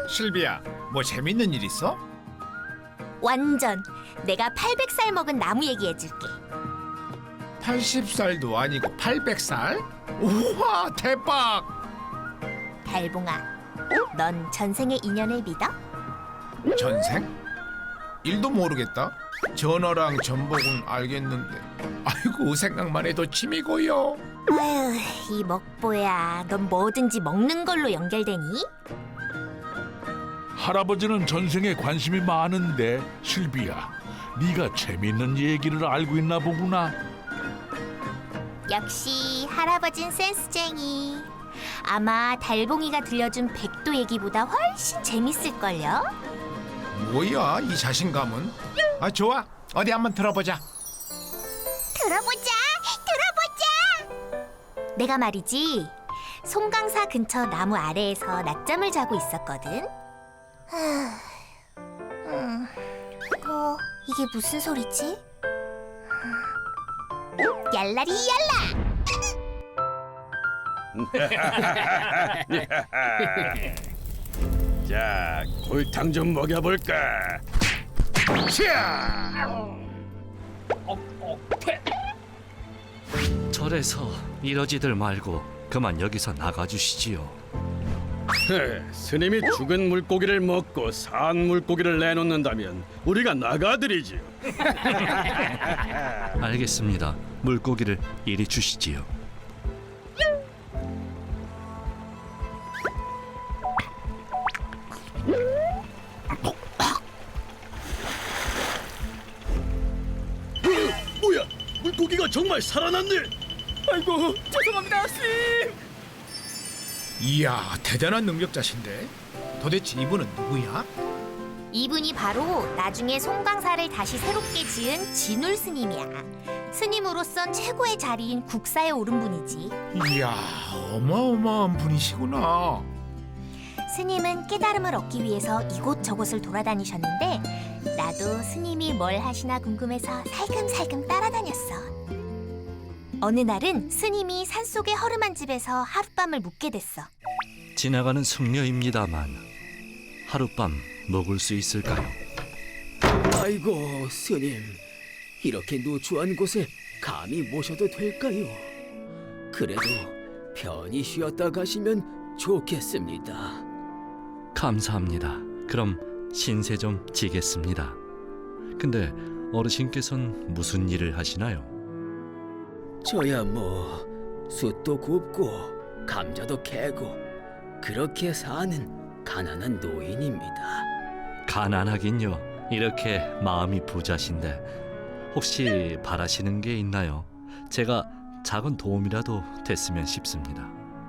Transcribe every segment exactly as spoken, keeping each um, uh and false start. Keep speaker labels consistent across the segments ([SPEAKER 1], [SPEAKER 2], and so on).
[SPEAKER 1] 실비야, 뭐 재밌는 일 있어?
[SPEAKER 2] 완전 내가 팔백 살 먹은 나무 얘기해줄게.
[SPEAKER 1] 팔십 살도 아니고 팔백 살? 우와, 대박!
[SPEAKER 2] 달봉아, 넌 전생의 인연을 믿어?
[SPEAKER 1] 전생? 일도 모르겠다. 전어랑 전복은 알겠는데. 아이고, 생각만 해도 침이 고여.
[SPEAKER 2] 아휴, 이 먹보야, 넌 뭐든지 먹는 걸로 연결되니?
[SPEAKER 3] 할아버지는 전생에 관심이 많은데 실비야, 네가 재밌는 얘기를 알고 있나 보구나.
[SPEAKER 2] 역시 할아버진 센스쟁이. 아마 달봉이가 들려준 백도 얘기보다 훨씬 재밌을걸요?
[SPEAKER 1] 뭐야, 이 자신감은? 아, 좋아. 어디 한번 들어보자.
[SPEAKER 2] 들어보자, 들어보자. 내가 말이지, 송강사 근처 나무 아래에서 낮잠을 자고 있었거든. 음, 어, 이게 무슨 소리지? 얄라리 얄라.
[SPEAKER 4] 자, 골탕 좀 먹여볼까?
[SPEAKER 1] 치아!
[SPEAKER 5] 절에서 이러지들 말고 그만 여기서 나가주시지요.
[SPEAKER 4] 헤, 스님이 죽은 물고기를 먹고 산 물고기를 내놓는다면 우리가 나가드리지요.
[SPEAKER 5] 알겠습니다. 물고기를 이리 주시지요.
[SPEAKER 4] 뭐야, 물고기가 정말 살아났네. 아이고, 죄송합니다, 스님.
[SPEAKER 1] 이야, 대단한 능력자신데. 도대체 이분은 누구야?
[SPEAKER 2] 이분이 바로 나중에 송강사를 다시 새롭게 지은 진울 스님이야. 스님으로선 최고의 자리인 국사에 오른 분이지.
[SPEAKER 1] 이야, 어마어마한 분이시구나.
[SPEAKER 2] 스님은 깨달음을 얻기 위해서 이곳저곳을 돌아다니셨는데 나도 스님이 뭘 하시나 궁금해서 살금살금 따라다녔어. 어느 날은 스님이 산속의 허름한 집에서 하룻밤을 묵게 됐어.
[SPEAKER 5] 지나가는 승려입니다만 하룻밤 묵을 수 있을까요?
[SPEAKER 6] 아이고, 스님, 이렇게 누추한 곳에 감히 모셔도 될까요? 그래도 편히 쉬었다 가시면 좋겠습니다.
[SPEAKER 5] 감사합니다. 그럼 신세 좀 지겠습니다. 근데 어르신께서는 무슨 일을 하시나요?
[SPEAKER 6] 저야 뭐 숯도 굽고 감자도 캐고 그렇게 사는 가난한 노인입니다.
[SPEAKER 5] 가난하긴요. 이렇게 마음이 부자신데 혹시 바라시는 게 있나요? 제가 작은 도움이라도 됐으면 싶습니다.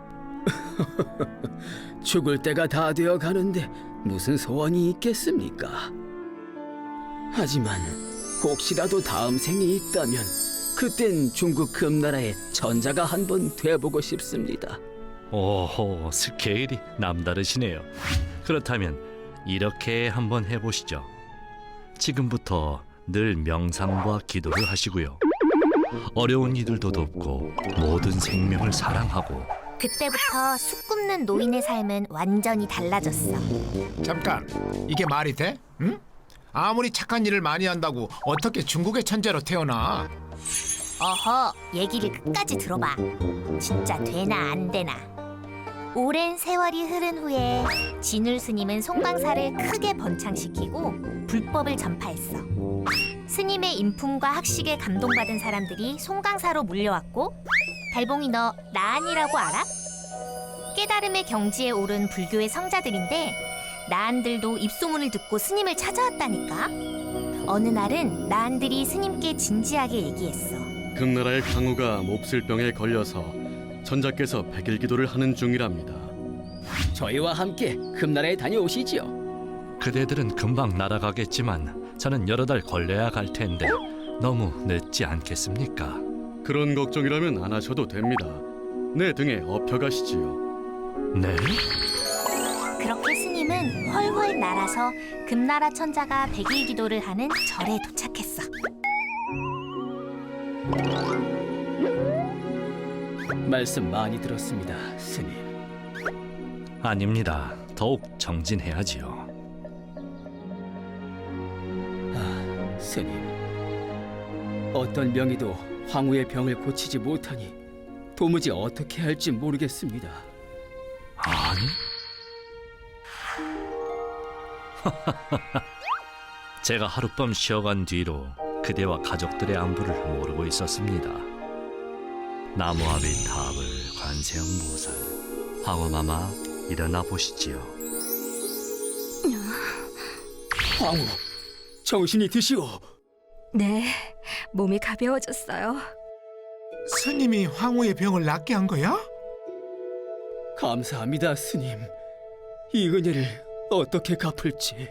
[SPEAKER 6] 죽을 때가 다 되어 가는데 무슨 소원이 있겠습니까? 하지만 혹시라도 다음 생이 있다면 그땐 중국 금나라의 전자가 한번 돼보고 싶습니다.
[SPEAKER 5] 오호, 스케일이 남다르시네요. 그렇다면 이렇게 한번 해보시죠. 지금부터 늘 명상과 기도를 하시고요. 어려운 이들도 돕고 모든 생명을 사랑하고.
[SPEAKER 2] 그때부터 숲 굽는 노인의 삶은 완전히 달라졌어.
[SPEAKER 1] 잠깐, 이게 말이 돼? 응? 아무리 착한 일을 많이 한다고 어떻게 중국의 천재로 태어나?
[SPEAKER 2] 어허, 얘기를 끝까지 들어봐. 진짜 되나 안 되나. 오랜 세월이 흐른 후에 진울 스님은 송강사를 크게 번창시키고 불법을 전파했어. 스님의 인품과 학식에 감동받은 사람들이 송강사로 몰려왔고, 달봉이 너 나안이라고 알아? 깨달음의 경지에 오른 불교의 성자들인데 나안들도 입소문을 듣고 스님을 찾아왔다니까. 어느 날은 나안들이 스님께 진지하게 얘기했어.
[SPEAKER 4] 금나라의 강우가 몹쓸병에 걸려서 전자께서 백일 기도를 하는 중이랍니다.
[SPEAKER 6] 저희와 함께 금나라에 다녀오시지요.
[SPEAKER 5] 그대들은 금방 날아가겠지만 저는 여러 달 걸려야 갈 텐데 너무 늦지 않겠습니까?
[SPEAKER 4] 그런 걱정이라면 안 하셔도 됩니다. 내 등에 업혀가시지요.
[SPEAKER 5] 네?
[SPEAKER 2] 그렇게 스님은 훨훨 날아서 금나라 천자가 백일 기도를 하는 절에 도착했어.
[SPEAKER 6] 말씀 많이 들었습니다, 스님.
[SPEAKER 5] 아닙니다. 더욱 정진해야지요.
[SPEAKER 6] 아, 스님. 어떤 명의도 황후의 병을 고치지 못하니 도무지 어떻게 할지 모르겠습니다.
[SPEAKER 5] 아니? 제가 하룻밤 쉬어간 뒤로 그대와 가족들의 안부를 모르고 있었습니다. 나무아비 탑을 관세음보살, 황후마마 일어나 보시지요.
[SPEAKER 6] 황후, 정신이 드시오.
[SPEAKER 7] 네, 몸이 가벼워졌어요.
[SPEAKER 1] 스님이 황후의 병을 낫게 한 거야?
[SPEAKER 6] 감사합니다, 스님. 이 은혜를 어떻게 갚을지.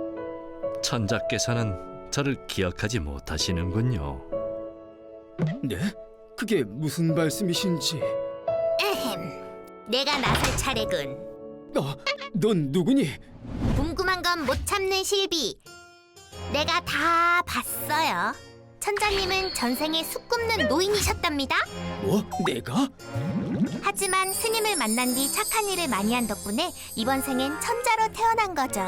[SPEAKER 5] 천자께서는 저를 기억하지 못하시는군요.
[SPEAKER 6] 네? 그게 무슨 말씀이신지.
[SPEAKER 2] 에헴, 내가 나설 차례군.
[SPEAKER 6] 아, 넌 누구니?
[SPEAKER 2] 궁금한 건 못 참는 실비. 내가 다 봤어요. 천자님은 전생에 숲 굽는 노인이셨답니다.
[SPEAKER 6] 뭐? 내가?
[SPEAKER 2] 하지만 스님을 만난 뒤 착한 일을 많이 한 덕분에 이번 생엔 천자로 태어난 거죠.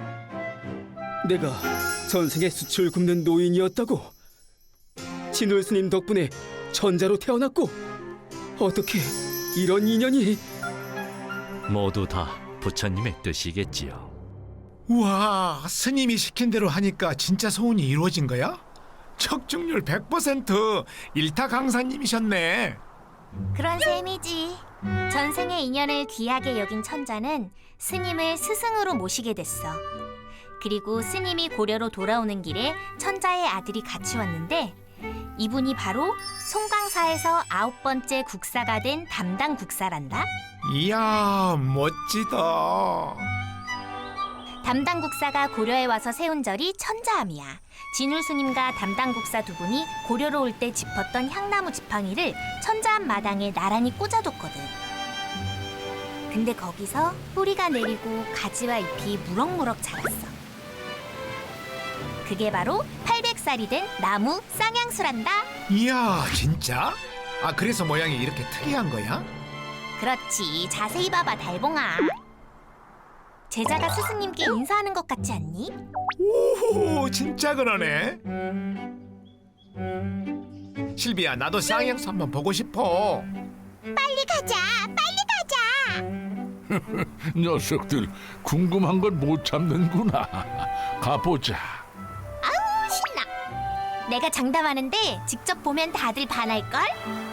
[SPEAKER 6] 내가 전생에 수출 굽는 노인이었다고? 진울 스님 덕분에 천자로 태어났고 어떻게 이런 인연이?
[SPEAKER 5] 모두 다 부처님의 뜻이겠지요.
[SPEAKER 1] 우와, 스님이 시킨 대로 하니까 진짜 소원이 이루어진 거야? 척중률 백 퍼센트 일타 강사님이셨네.
[SPEAKER 2] 그런 셈이지. 전생의 인연을 귀하게 여긴 천자는 스님을 스승으로 모시게 됐어. 그리고 스님이 고려로 돌아오는 길에 천자의 아들이 같이 왔는데 이분이 바로 송광사에서 아홉 번째 국사가 된 담당 국사란다.
[SPEAKER 1] 이야, 멋지다.
[SPEAKER 2] 담당 국사가 고려에 와서 세운 절이 천자암이야. 진울 스님과 담당 국사 두 분이 고려로 올 때 짚었던 향나무 지팡이를 천자암 마당에 나란히 꽂아뒀거든. 근데 거기서 뿌리가 내리고 가지와 잎이 무럭무럭 자랐어. 그게 바로 팔백 살이 된 나무 쌍향수란다.
[SPEAKER 1] 이야, 진짜? 아, 그래서 모양이 이렇게 특이한 거야?
[SPEAKER 2] 그렇지, 자세히 봐봐 달봉아. 제자가 스승님께 인사하는 것 같지 않니?
[SPEAKER 1] 오호, 진짜 그러네. 실비야, 나도 쌍향수 한번 보고 싶어.
[SPEAKER 2] 빨리 가자, 빨리 가자.
[SPEAKER 3] 녀석들 궁금한 건 못 참는구나. 가보자.
[SPEAKER 2] 아우 신나. 내가 장담하는데 직접 보면 다들 반할걸?